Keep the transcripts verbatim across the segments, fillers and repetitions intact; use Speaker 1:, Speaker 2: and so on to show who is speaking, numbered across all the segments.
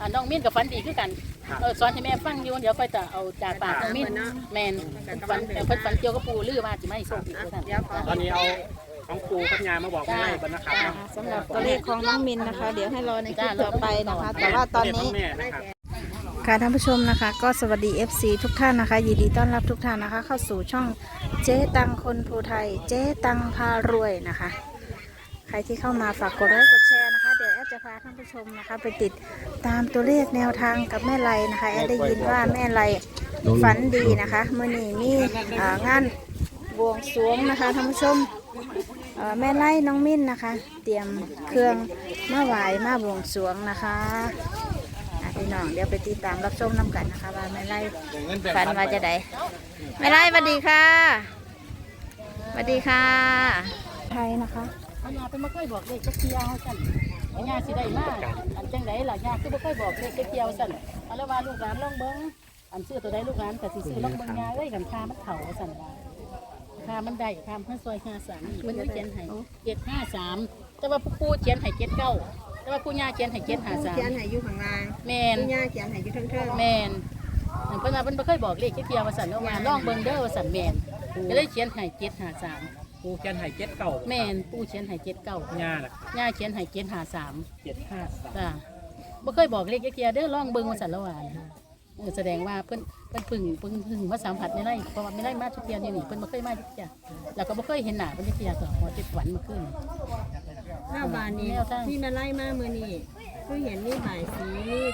Speaker 1: น้องมิ้นกับฝันดีคือกันเออสอนให้แม่ฟังอยู่เดี๋ยวค่อยจะเอาจากปากน้องมิ้นแมนฝันแต่เพิ่นฝันเกี่ยวกับปูลือว่าจะไม่โชคดีท่าน
Speaker 2: ตอนนี้เอาของปูกับยามาบอกแม่ไล่บรรณนะครับ
Speaker 3: สำหรับตัวเลขของน้องมินนะคะ เดี๋ยวให้รอในคลิปต่อไปนะคะ แต่ว่าตอนนี้ค่ะท่านผู้ชมนะคะ ก็สวัสดี เอฟ ซี ทุกท่านนะคะยินดีต้อนรับทุกท่านนะคะ เข้าสู่ช่องเจ๊ตังคนภูไทยเจ๊ตังพารวยนะคะใครที่เข้ามาฝากกดไลค์กดแชร์นะคะเดี๋ยวแอดจะพาท่านผู้ชมนะคะไปติดตามตัวเลขแนวทางกับแม่ไลนะคะแอดได้ยินว่าแม่ไลฝันดีนะคะเมื่อนี้มีงานบวงสรวงนะคะท่านผู้ชมแม่ไล่น้องมิ้นนะคะเตรียมเครื่องมาไหว้มาบวงสรวงนะคะพี่น้องเดี๋ยวไปติดตามรับชมน้ำกันนะคะว่าแม่ไล่ฝันว่าจะได้แม่ไล่สวัสดีค่ะสวัสดีค่ะไทยนะคะ
Speaker 1: อันยาเป็นมาค่อยบอกเลขเกี่ยวสั่นอันยาสิได้มากอันจังไดล่ะยาคือบ่ค่อยบอกเลขเกี่ยวสั่นเอาแล้วว่าลูกหลานลองเบิ้งอันซื้อตัวใดลูกหลานแต่สิซื้อลองเบิ้งยาเอ้ยกันค่ามันเข่าสั่นว่าค่ามันได้ค่าเพิ่นซอยห้าสามนี่เพิ่นเขียนให้เจ็ดห้าสามแต่ว่าปู่เขียนให้เจ็ดเก้าแต่ว่าปู่ย่าเขียนให้เจ็ดห้าสาม
Speaker 3: เขียนให้อยู่ข้างล่าง
Speaker 1: แม่น
Speaker 3: ปู่ย่าเขียนให้อยู่เทิงๆ
Speaker 1: แม่นเพิ่นว่าเพิ่นบ่เคยบอกเลขเกี่ยวว่าสั่นแล้วว่าลองเบิ้งเด้อว่าสั่นแม่นก็เลยเขียนให้เจ็ดห้าสาม
Speaker 2: ปูเขียนไห่เจ็ดเก่า
Speaker 1: แม่นปูเขียนไห่เจ็ดเก้า
Speaker 2: ย่าล่ะ
Speaker 1: ย่าเขียนไห่เจ็ดห้าสาม
Speaker 2: เจ็ดห้าสาม
Speaker 1: จ้าบ่เคยบอกเลขเกียร์เด้อลองเบิ่งว่าสันละวานเออแสดงว่าเพิ่นเพิ่นพึ่งเพิ่นพึ่งมาสัมผัสในไร่เพราะว่าไม่ได้มาทุกเทียนี่นี่เพิ่นบ่เคยมาทุกเทียแล้วก็บ่เคยเห็นหน้าเพิ่นทุกเทียก็หอเจ็ดวันมาขึ้น
Speaker 3: หน้าบ้านนี้ที่มาไล่มามื้อนี้คือเห็นนี่บ่ายสีนี่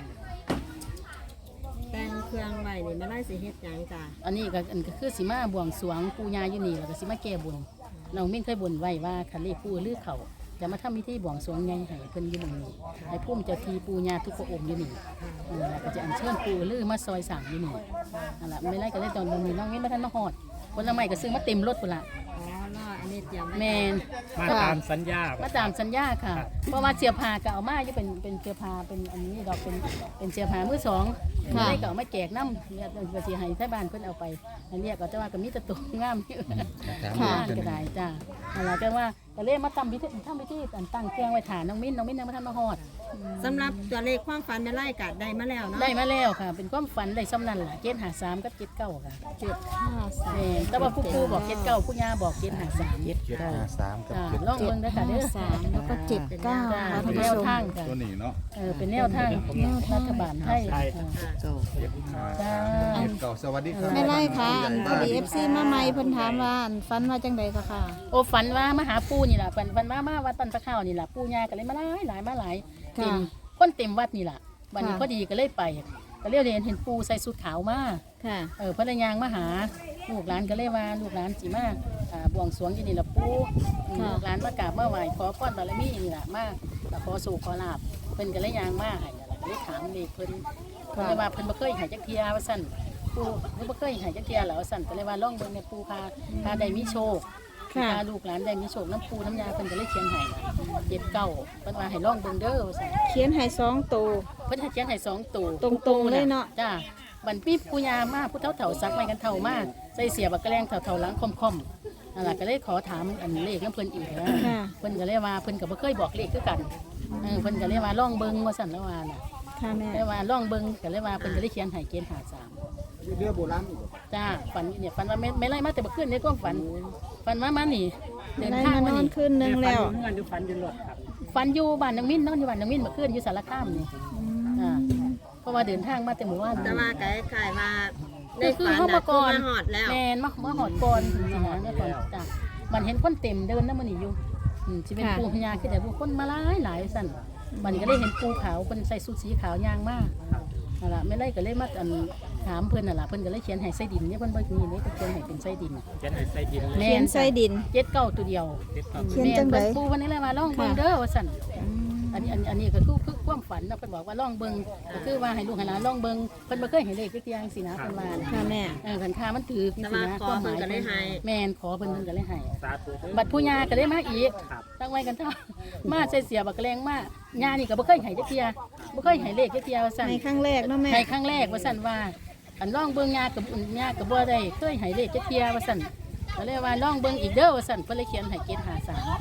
Speaker 3: แต่งเครื่องไว้นี่มาไล่สิเฮ็ดหยังจ้ะ
Speaker 1: อันนี้ก็อันก็คือสิมาบวงสรวงปู่ย่าอยู่นี่แล้วก็สิมาแก้บนน้องมิ้นเคยบนไว้ว่าคันเลขปู่ลือเขาจะมาทำพิธีบวงสรวงใหญ่ให้เพิ่นอยู่ตรงนี้ให้พุ่มเจ้าทีปู่ย่าทุกพระองค์อยู่นี่แล้วก็จะอัญเชิญปู่ลือมาซอยสั่งอยู่นี่นั่นล่ะไม่ไล่ก็เลยตอนนี้น้องมิ้นมาทันมาฮอดผลไม้ก็ซื้อมาเต็มรถพุ่นล่ะแมน
Speaker 2: มาตามสัญญา
Speaker 1: มาตามสัญญาค่ะเพราะว่าเสียผ้าก็เอามาอยู่เป็นเป็นเสียผ้าเป็นอันนี้ดอกเป็นเป็นเสียผ้ามือสองไม่ได้ก็เอามาแจกน้ำเนี่ยเป็นสีให้ที่บ้านเพิ่นเอาไปอันนี้ก็จะว่าก็มีตะตุ่มงามอยู่งามก็ได้จ้าอะไรก็ว่าก็เลยมาทำพิธีทำพิธีตั้งเครื่องไว้ฐานน้องมิ้นน้องมิ้นยังไม่ทันมาฮอด
Speaker 3: สำหรับตัวเลขความฝันแม่ไล่กัดได้มาแล้วเนาะ
Speaker 1: ได้มาแล้วค่ะเป็นความฝันได้ซ้ำนั่นแหละเจ็ดห้าสามกับเจ็ดเก้าค่ะ
Speaker 3: เจ็ดห้าสาม
Speaker 1: แต่ว่าผู้ครูบอกเจ็ดเก้าผู้ย่าบอกเจ็ดห้าสาม
Speaker 4: เจ็ดห้าสามกับ
Speaker 1: เจ็ดลองเบิ่งได้ค่ะเด้อ
Speaker 3: สามแล้วก็เจ็ดเก้า
Speaker 1: เป็นแนวทางค่ะ
Speaker 4: ตัวนี้เนาะ
Speaker 1: เออเป็นแนวทางรัฐบาลไทย
Speaker 4: จ้าเจ็ดเก้าสวัสดีครับ
Speaker 3: แม่ไล่ค่ะพอดีเอฟซีมาใหม่เพิ่นถามว่าฝันว่าจังใดก็ค่ะ
Speaker 1: โอ้ฝันว่ามาหาปู่นี่แหละฝันฝันว่ามาวัดต้นตะข้าวนี่แหละปู่ย่าก็เลยมาหลายหลายมาหลายเต็มคนเต็มวัดนี่แหละวันนี้พอดีก็เลยไปก็เรียกเรียนเห็นปู่ใส่ชุดขาวมาเออพระนางมาหาลูกหลานก็เลยว่าลูกหลานจีมาบวงสรวงที่นี่ละปู่ลูกหลานมากราบมาไหว้ขอพรบารมีนี่แหละมาขอสู่ขอลาบเพิ่นก็เลยยางมาให้ก็เลยถามเด็กเพิ่นเพิ่นเลยว่าเพิ่นบ่เคยให้จักเทียว่าซั่นปู่เพิ่นบ่เคยให้จักเทียแล้วว่าซั่นก็เลยว่าลองเบิ่งในปู่พาพาได้มีโชคพาลูกหลานได้มีโชคน้ำปู่น้ำยาเพิ่นก็เลยเขียนให้เจ็ดเก้าเพิ่นว่าให้ลองเบิ่งเด้อว่าซั่น
Speaker 3: เขียนให้สองตัว
Speaker 1: เพิ่นให้เขียนให้สองตัว
Speaker 3: ตรงๆเลยเนาะ
Speaker 1: จ้าบันปีปู่ย่ามาผู้เฒ่าเฒ่าซักไม้กันเฒ่ามาใส่เสียบักกระแลงเฒ่าเฒ่าหลังคอมๆนั่นล่ะก็เลยขอถามอันเลขนำเพิ่นอีกนะเพิ่นก็เลยว่าเพิ่นก็บ่เคยบอกเลขคือกันเออเพิ่นก็เลยว่าลองเบิ่งว่าซั่นแล้วว่าน่ะ
Speaker 3: ค่ะแม่
Speaker 1: เลยว่าลองเบิ่งก็เลยว่าเพิ่นก็เลยเขียนให้เกณฑ์ห้าสาม
Speaker 4: เรือโบราณ
Speaker 1: จ้าฝันเนี่ยฝันว่าไม่ไม่ไล่มาแต่บ่คืนนี่ก็ฝันฝันว่ามานี่
Speaker 3: เดินทางมานอนคืนนึงแล้ว
Speaker 2: ฝันอยู่ฝันอยู่รถครับ
Speaker 1: ฝันอยู่บ้านนางมิ้นนอนอยู่บ้านนางมิ้นเมื่อคืนอยู่สารคามนี่อ่าเพราะว่าเดินทางมาแต่หมู่บ้าน
Speaker 3: แต่ว่าไกด์ขายมา
Speaker 1: ได้คือเขามาก่อน
Speaker 3: มาหอดแล้ว
Speaker 1: แมนมามาหอดก่อนจริงๆนะเนี่ยก่อนจ้ะมันเห็นคนเต็มเดินน้ำมันอยู่จะเป็นปูพญาคือแต่ผู้คนมาหลายหลายสั่นมันก็ได้เห็นปูขาวคนใส่สูทสีขาวยางมากนั่นแหละไม่ไล่ก็เลยมาอันถามเพื่อนนั่นแหละเพื่อนก็เลยเขียนให้ไส้ดินเนี่ยเพื่อนบอกนี่นี่เขียนให้เป็นไส้ดิน
Speaker 2: เขียนให้ไส้ดิน
Speaker 3: เขียนไส้ดิน
Speaker 1: เจ็ดเก้าตัวเดียว
Speaker 3: เขียนจังได
Speaker 1: ปูวันนี้เลยมาล่องเบิ่งเด้อว่าสั่นอันนี้อันนี้ก็คือคือความฝันนะเพิ่นบอกว่าล่องเบิ่งก็คือว่าให้ลูกให้หลานล่องเบิ่งเพิ่นบ่เคยเห็นเลขจักอย่างสินะเพิ่นว่า
Speaker 3: ค่ะแม่
Speaker 1: เออคันค่ามันถือสินะ
Speaker 3: ความหมายก็เลยให้
Speaker 1: แม่นขอเพิ่นเพิ่นก็เลยให้บัดผู้ย่าก็ได้มาอีกตั้งไว้กันเท่ามาใส่เสียบักแรงมาย่านี่ก็บ่เคยให้จักเที่ยบ่เคยให้เลขจักเที่ยว่าซั่น
Speaker 3: ให้ครั้งแรกเนาะแม่
Speaker 1: ให้ครั้งแรกว่าซั่นว่าอันล่องเบิ่งย่ากับย่าก็บ่ได้เคยให้เลขจักเที่ยว่าซั่นก็เลยว่าล่องเบิ่งอีกเด้อว่าซั่นเพิ่นเลยเขียนให้เกณฑ์ห้าสาม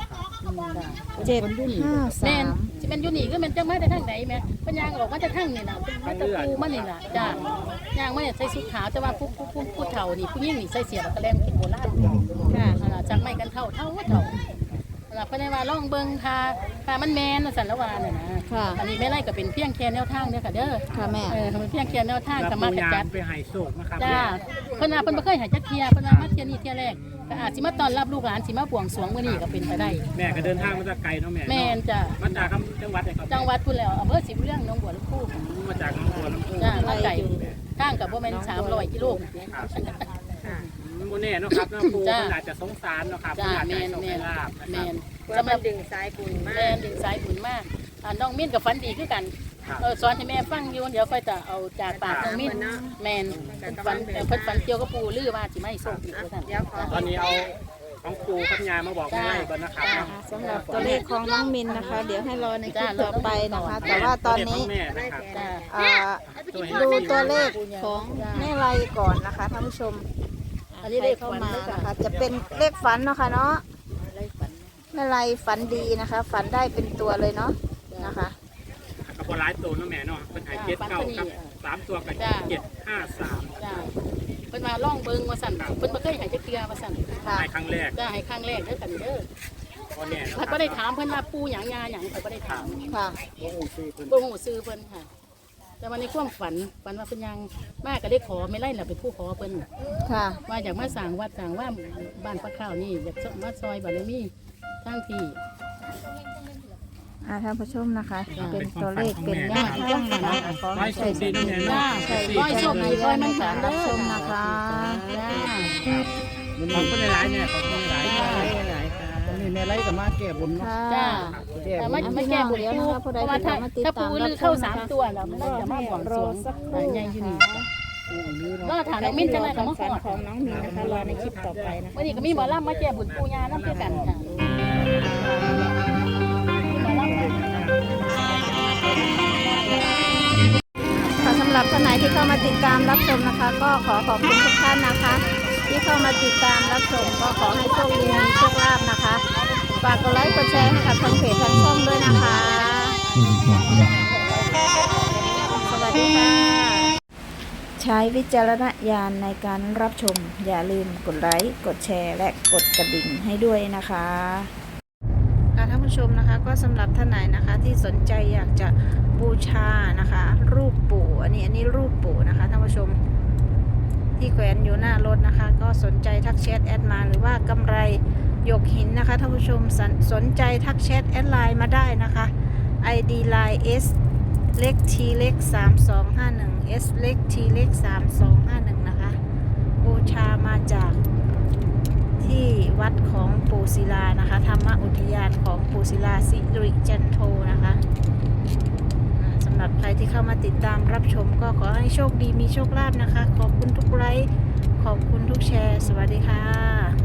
Speaker 3: เจ็ดห้า
Speaker 1: แม่
Speaker 3: สาน ม
Speaker 1: สิแม่นอยู่นี่คือแม่นจังมาแต่ทางไหนแม่เพิ่นย่างออกมาแต่ทางนี่น่ะเป็นมาแตะปูมานี่ล่ะจ้าย่างมาเนี่ยใส่ชุดขาวแต่ว่าผู้ผู้ผู้ผู้เฒ่านี่ผู้หญิงนี่ใส่เสียบกระแลมกินโบราณค่ะอ่าจากไม้กันเฒ่าเฒ่าว่าเฒ่าหลับเพิ่นได้ว่าลองเบิ่งทาทามันแม่นว่าซั่นละว่าน่ะนะ
Speaker 3: ค่ะ
Speaker 1: อันนี้แม่ไล่ก็เป็นเพียงแค่แนวทางเด้อค่ะเด้อ
Speaker 3: ค่ะแม่
Speaker 1: เออมันเพียงแค่แนวทาง
Speaker 2: แล้ว
Speaker 1: ก็
Speaker 2: ปู
Speaker 1: มากระ
Speaker 2: ยา
Speaker 1: จัด
Speaker 2: ไปให้โชคนะครับ
Speaker 1: จ้าเพิ่นว่าเพิ่นบ่เคยให้จักเที่ยเพิ่นว่ามาเที่ยนี้เที่ยแรกก็อาจสิมาต้อนรับลูกหลานสิมาบวงสรวงมื้อนี้ก็เป็นไปได้
Speaker 2: แม่ก็เดินทางมาจากไกลเนาะแม่
Speaker 1: แม่นจ้ะ
Speaker 2: มาจากจังหวัดไหนครับ
Speaker 1: จังหวัดพุ่นแล้วอำเภอศรีบุญเรื่องหนองบัวลำพู
Speaker 2: มาจากหนองบัวลำพู
Speaker 1: จ้ามาไกลทางก็บ่แม่นสามร้อยกิโล
Speaker 2: โมเน่เนาะครับน้องปู
Speaker 1: จ้า
Speaker 2: ขนาดจะสงสารเนาะครับ
Speaker 1: จ้า
Speaker 2: ขนาด
Speaker 1: แม่น
Speaker 2: จะ
Speaker 1: แม่น
Speaker 2: ลาบนะ
Speaker 1: แม่
Speaker 2: ครับ
Speaker 1: นสำหรับดึงสายบุญมากแม่นดึงสายบุญมากอ่าน้องมิ้นกับฝันดีคือกัน
Speaker 2: ครับ
Speaker 1: เออสอนให้แม่ฟังอยู่เดี๋ยวค่อยจะเอาจากปากน้องมิ้นแม่นเพิ่นฝันเออเพิ่นฝันเกี่ยวกับปู่ลือว่าสิมาให้โชคอีกว่าซั่น
Speaker 2: ตอนนี้เอาของปูกับยามาบอกให้ไล่ก่อนนะครับเนาะ
Speaker 3: สำหรับตัวเลขของน้องมินนะคะ เดี๋ยวให้รอในคลิปต่อไปนะคะ แต่ว่าตอนนี้
Speaker 2: แม่นะครับ
Speaker 1: จ้า
Speaker 3: อ่าดูตัวเลขของแม่ไรก่อนนะคะท่านผู้ชม
Speaker 1: อันนี้เลข
Speaker 3: เข้า
Speaker 1: ฝัน
Speaker 3: มา
Speaker 1: เด้อค่ะ
Speaker 3: นะคะ จะเป็นเลขฝันเนาะค่ะเนาะ
Speaker 1: เลขฝัน
Speaker 3: แม่ไรฝันดีนะคะ ฝันได้เป็นตัวเลยเนาะนะคะ
Speaker 2: กับหลายตัวเนาะแม่เนาะเป็นหายเจ็ดเก้าครับสามตัวกับเจ็ดห้าสาม
Speaker 1: จ้าเพิ่นมาล่องเบิ่งว่าซั่นเพิ่นบ่เคยให้จักเทื่อว่าซั่น
Speaker 3: ค่ะ
Speaker 2: ในครั้งแรก
Speaker 1: จ้าให้ครั้งแรกเด้อกันเด้อ
Speaker 2: พอแน่เนาะ
Speaker 1: เพิ่นบ่ได้ถามเพิ่นว่าปู่หยังยาหยังเพิ่นบ่ได้ถาม
Speaker 3: ค่ะ
Speaker 1: บ่ฮู้ชื่อเพิ่นค่ะ แต่วันนี้ความฝันฝันว่าเพิ่นยังมาก็ได้ขอไม่ไล่น่ะเป็นผู้ขอเพิ่น
Speaker 3: ค่ะ
Speaker 1: ว่าอยากมาสร้างวัดสร้างว่าบ้านพระข้าวนี่อยากมาซอยบารมีทั้งที่
Speaker 3: อ่าท่านผู้ชมนะคะ
Speaker 1: จ้า
Speaker 3: เป็นตัวเลขเป็นแนวทางนะคะขอ
Speaker 2: ไว้
Speaker 3: ให้
Speaker 2: โช
Speaker 3: ใช้
Speaker 2: คดี
Speaker 3: ส
Speaker 2: นะ
Speaker 3: ติ
Speaker 2: แม่เนาะ
Speaker 1: ใช่
Speaker 2: สี่
Speaker 1: ร้อยโชคดีร้อยมันสาร
Speaker 3: รั
Speaker 1: เด้
Speaker 3: บ
Speaker 1: อ
Speaker 3: ชมนะคะ
Speaker 1: จ้า
Speaker 2: ขอบคุณหลายๆเนี่ยขอบคุณหลายๆครับ
Speaker 4: ตอนนี้แม่ไล่กับมาแก้บนเนาะ
Speaker 3: ค่ะ
Speaker 1: จ้า
Speaker 4: แก้
Speaker 1: แต่
Speaker 4: บ
Speaker 1: ไม่
Speaker 4: น
Speaker 1: ไม่แก้บุญปู
Speaker 3: ผู้
Speaker 1: เพ
Speaker 3: ใด
Speaker 1: ราะว่าถ้า
Speaker 3: ที่มาติด
Speaker 1: ถ้า
Speaker 3: ตาม
Speaker 1: ปู
Speaker 3: รับ
Speaker 1: ลือ
Speaker 3: ชม
Speaker 1: เข้าสาม
Speaker 3: นะคะ
Speaker 1: ตัวแล้วมันจะมาบวงสรวง
Speaker 3: รอสักครู่
Speaker 1: ใหญ่อยู่นี่
Speaker 3: นะคะ
Speaker 1: ก็ถามน้องมิ้นจะอะไรกับมะข
Speaker 3: ฝัน
Speaker 1: อด
Speaker 3: ของน้องมินนะคะ รอในคลิปต่อไปนะคะ
Speaker 1: วันนี้ก็มีหมอลำมาแก้บุญปูยาน้ำเพื่อกันค่ะมีหมอลำมา
Speaker 3: ค่ะสำหรับท่านไหนที่เข้ามาติดตามรับชมนะคะ ก็ขอขอบคุณทุกท่านนะคะ ที่เข้ามาติดตามรับชมก็ขอให้โชคดีมีโชคลาภนะคะฝากกดไลค์กดแชร์ให้กับทางเพจทางช่องด้วยนะคะ สวัสดีค่ะ ใช้วิจารณญาณในการรับชม อย่าลืมกดไลค์กดแชร์และกดกระดิ่งให้ด้วยนะคะค่ะท่านผู้ชมนะคะก็สำหรับท่านไหนนะคะที่สนใจอยากจะบูชานะคะ รูปปู่อันนี้อันนี้รูปปู่นะคะท่านผู้ชมที่แขวนอยู่หน้ารถนะคะ ก็สนใจทักแชทแอดมาหรือว่ากำไรหยกหินนะคะท่านผู้ชมสนสนใจทักแชทแอดไลน์มาได้นะคะ ไอ ดี ไลน์ S เล็ก T เล็กสามสองห้าหนึ่ง S เล็ก T เล็กสามสองห้าหนึ่งนะคะบูชามาจากที่วัดของปู่ศิลานะคะธรรมอุทยานของปู่ศิลาสิริจันโทนะคะอ่าสำหรับใครที่เข้ามาติดตามรับชมก็ขอให้โชคดีมีโชคลาภนะคะ ขอบคุณทุกไลค์ขอบคุณทุกแชร์ สวัสดีค่ะ